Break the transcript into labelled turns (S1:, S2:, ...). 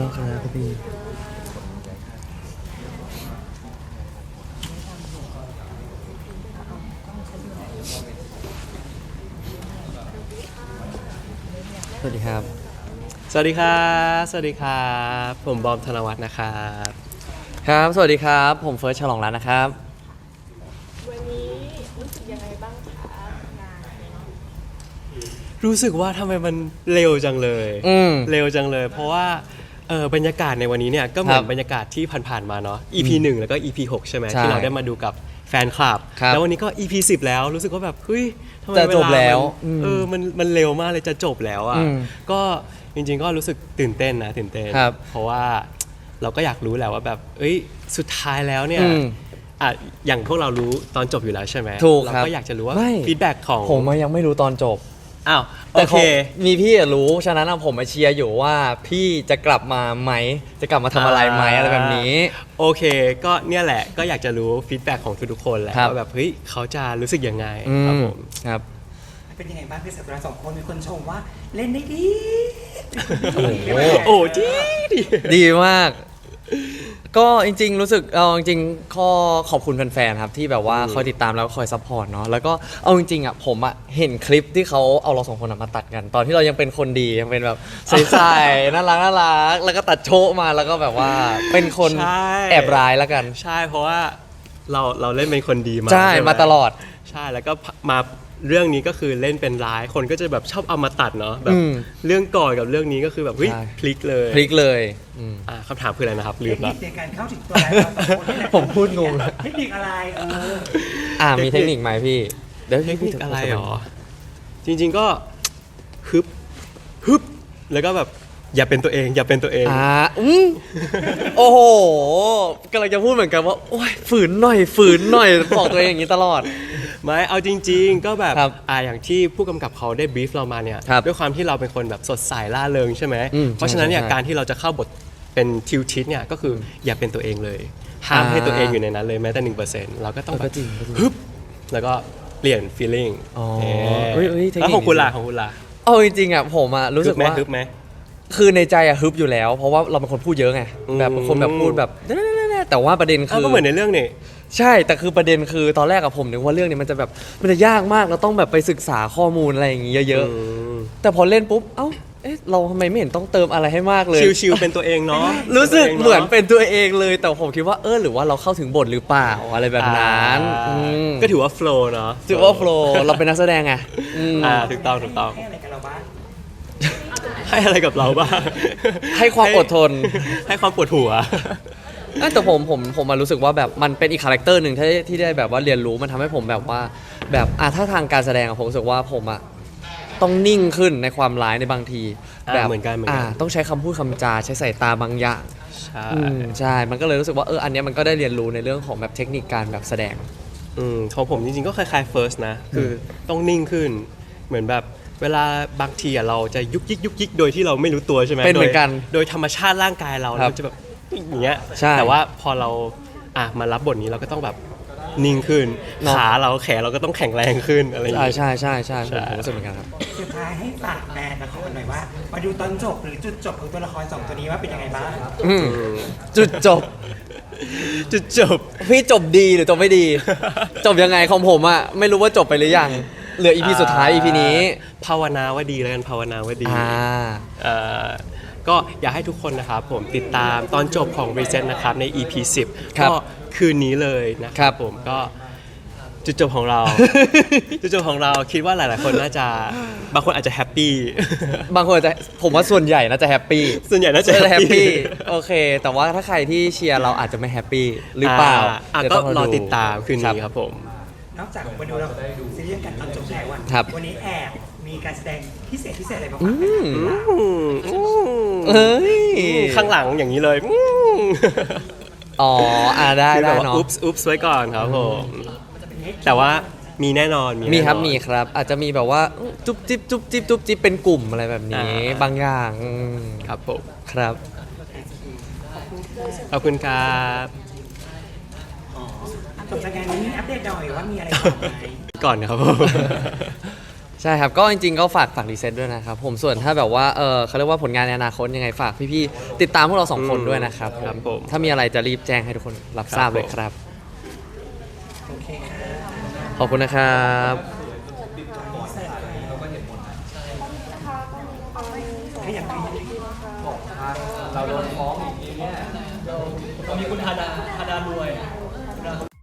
S1: ครับพี่สวัสดีครับ
S2: สวัสดีครับสวัสดีครับผมบอมธนวัฒน์นะครับ
S1: ครับสวัสดีครับผมเฟิร์สฉลองรัตน์นะครับ
S3: วันนี้รู้สึกยังไงบ้างคะงาน
S2: รู้สึกว่าทำไมมันเร็วจังเลย เร็วจังเลย เพราะว่าบรรยากาศในวันนี้เนี่ยก็เหมือนบรรยากาศที่ผ่านๆมาเนาะ EP 1 แล้วก็ EP 6 ใช่ไหมที่เราได้มาดูกับแฟนคลับ แล้ววันนี้ก็ EP 10 แล้วรู้สึกว่าแบบเฮ้ยทำไมเวลามันเร็วมากเลยจะจบแล้วอ่ะก็จริงๆก็รู้สึกตื่นเต้นเพราะว่าเราก็อยากรู้แหละว่าแบบเอ้ยสุดท้ายแล้วเนี่ยอย่างพวกเรารู้ตอนจบอยู่แล้วใช่ไหมเราก็อยากจะรู้ว่าฟีดแบ็กของ
S1: ผมยังไม่รู้ตอนจบ
S2: อ้าวโอเค
S1: มีพี่รู้ฉะนั้นผมมาเชียร์อยู่ว่าพี่จะกลับมาไหมจะกลับมาทำอะไรไหมอะไรแบบนี้
S2: โอเคก็เนี่ยแหละก็อยากจะรู้ฟีดแบ็กของทุกๆคนแหละว่าแบบเฮ้ยเขาจะรู้สึกยังไงครับผม
S1: ครับ
S4: เป็นยังไงบ้างพี่สัปดาห์สองคนมีคนชมว่าเล่นได้ดี
S2: โอ้
S1: ดีมากก็จริงๆรู้สึกจริงๆข้อขอบคุณแฟนๆครับที่แบบว่าคอยติดตามแล้วก็คอยซัพพอร์ตเนาะแล้วก็เอาจริงๆอ่ะผมอ่ะเห็นคลิปที่เขาเอาเราสองคนมาตัดกัน ตอนที่เรายังเป็นคนดียังเป็นแบบใสๆน่ารักแล้วก็ตัดโชว์มาแล้วก็แบบว่าเป็นคนแอบร้ายแล้วกัน
S2: ใช่เพราะว่าเราเล่นเป็นคนดีมา
S1: ใช่มาตลอด
S2: ใช่แล้วก็มาเรื่องนี้ก็คือเล่นเป็นร้ายคนก็จะแบบชอบเอามาตัดเนาะแบบเรื่องก่อนกับเรื่องนี้ก็คือแบบเฮ้ยพลิกเลยคำถามคืออะไรนะครับลืม
S4: แล้วในการเข้าถึงตัวเราสองคนนี่แหละ
S1: ผมพูดงง
S4: เทคนิคอะไร
S1: มีเทคนิคไหมพี่
S2: เทคนิคอะไรหรอจริงๆก็ฮึบแล้วก็แบบอย่าเป็นตัวเอง
S1: โอ้โหกำลังจะพูดเหมือนกันว่าโอ้ยฝืนหน่อยบอกตัวเองอย่างนี้ตลอด
S2: ไม่เอาจริงๆก็แบบอย่างที่ผู้กำกับเขาได้บรีฟเรามาเนี่ยด้วยความที่เราเป็นคนแบบสดใสล่าเริงใช่ไหมเพราะฉะนั้นเนี่ยการที่เราจะเข้าบทเป็นทิวทิศเนี่ยก็คืออย่าเป็นตัวเองเลยห้ามให้ตัวเองอยู่ในนั้นเลยแม้แต่ 1% เราก็ต้องแบบฮึบแล้วก็เปลี่ยน feeling แล้วของคุณล่ะ
S1: เอาจริงๆอ่ะผมรู้สึกว่า
S2: ฮึบไหม
S1: คือในใจฮึบอยู่แล้วเพราะว่าเราเป็นคนพูดเยอะไงแบบเป็นคนแบบพูดแบบแต่ว่าประเด็นคือ
S2: ก็เหมือนในเรื่องนี่
S1: ใช่แต่คือประเด็นคือตอนแรกกับผมนึกว่าเรื่องนี้มันจะแบบมันจะยากมากเราต้องแบบไปศึกษาข้อมูลอะไรอย่างงี้เยอะๆแต่พอเล่นปุ๊บเราทำไมไม่เห็นต้องเติมอะไรให้มากเลย
S2: ชิวๆเป็นตัวเองเนาะ
S1: รู้สึกเหมือนเป็นตัวเองเลยแต่ผมคิดว่าหรือว่าเราเข้าถึงบทหรือเปล่าอะไรแบบนั้น
S2: ก็ถือว่าโฟล์เนาะ
S1: ถือว่าโฟล์เราเป็นนักแสดงไง
S2: ถูกต้อง
S4: ให้อะไรกับเราบ้าง
S2: ให้อะไรกับเราบ้าง
S1: ให้ความอดทน
S2: ให้ความปวดหัว
S1: แต่ผมมารู้สึกว่าแบบมันเป็นอีกคาแรคเตอร์หนึ่งที่ได้แบบว่าเรียนรู้มันทำให้ผมแบบว่าแบบถ้าทางการแสดงผมรู้สึกว่าผมต้องนิ่งขึ้นในความร้ายในบางที
S2: แบบเหมือนกัน
S1: ต้องใช้คำพูดคำจาใช้สายตาบางอย่างใช่มันก็เลยรู้สึกว่าอันนี้มันก็ได้เรียนรู้ในเรื่องของแบบเทคนิคการแบบแสดง
S2: ของผมจริงๆก็คล้ายๆ first นะคือต้องนิ่งขึ้นเหมือนแบบเวลาบางทีเราจะยุกยิกโดยที่เราไม่รู้ตัวใช่ไหม
S1: เป็นเหมือนกัน
S2: โดยธรรมชาติร่างกายเราจะแบบอย่างเงี้ยแต่ว่าพอเรามารับบทนี้เราก็ต้องแบบนิ่งขึ้นขาเราแขนเราก็ต้องแข็งแรงขึ้นอะไรอย่างเงี้ย
S1: ใช่ผมรู้สึกเหมือนกันครับ
S4: สุดท้ายให้ฝากแฟนละครหน่อยว่ามาดูตอนจบหรือจุดจบของตัวละครสองตัวนี้ว่าเป็นยังไงบ้าง
S1: จุดจบพี่จบดีหรือจบไม่ดีจบยังไงของผมไม่รู้ว่าจบไปหรือยังเหลือ EP สุดท้าย EP นี้
S2: ภาวนาว่าดีแล้วกันภาวนาว่าดีก็อยากให้ทุกคนนะครับผมติดตามตอนจบของ Reset นะครับใน EP 10ก็คืนนี้เลยนะครับผมก็จุดจบของเราคิดว่าหลายๆคนน่าจะบางคนอาจจะแฮปปี้
S1: บางคนอาจจะผมว่าส่วนใหญ่น่าจะแฮปปี้
S2: แฮปปี้
S1: โอเคแต่ว่าถ้าใครที่เชียร์เราอาจจะไม่แฮปปี้หรือเปล่า
S2: ก็รอติดตามคืนนี้ครับผม
S4: นอกจากมาดูเราซีรีส์กันตอนจบแล้ววันนี้แอบมีการแสดงพิเศษอะไรบ้าง
S2: ข้างหลังอย่างนี้เลย
S1: ได้
S2: เนาะอุ๊บไว้ก่อนครับผมแต่ว่ามีแน่นอน
S1: มีครับอาจจะมีแบบว่าจุ๊บจิ๊บเป็นกลุ่มอะไรแบบนี้บางอย่าง
S2: ครับผม
S1: ครับ
S2: ขอบคุณครับ
S4: จบจากงานนี้อัปเดตหน่อยว่ามีอะไรก่อน
S2: ครับ
S1: ใช่ครับก็จริงๆก็ฝากรีเซ็ตด้วยนะครับผมส่วนถ้าแบบว่าเขาเรียกว่าผลงานในอนาคตยังไงฝากพี่ๆติดตามพวกเราสองคนด้วยนะครับ
S2: ครับผม
S1: ถ้ามีอะไรจะรีบแจ้งให้ทุกคนรับทราบเลยครับ
S4: โอเคค่ะ
S1: ขอบคุณนะครับ
S4: ขยับไป
S5: เราโดนฟ้องอย่างนี้เนี่ยเรามีคุณธาดารวย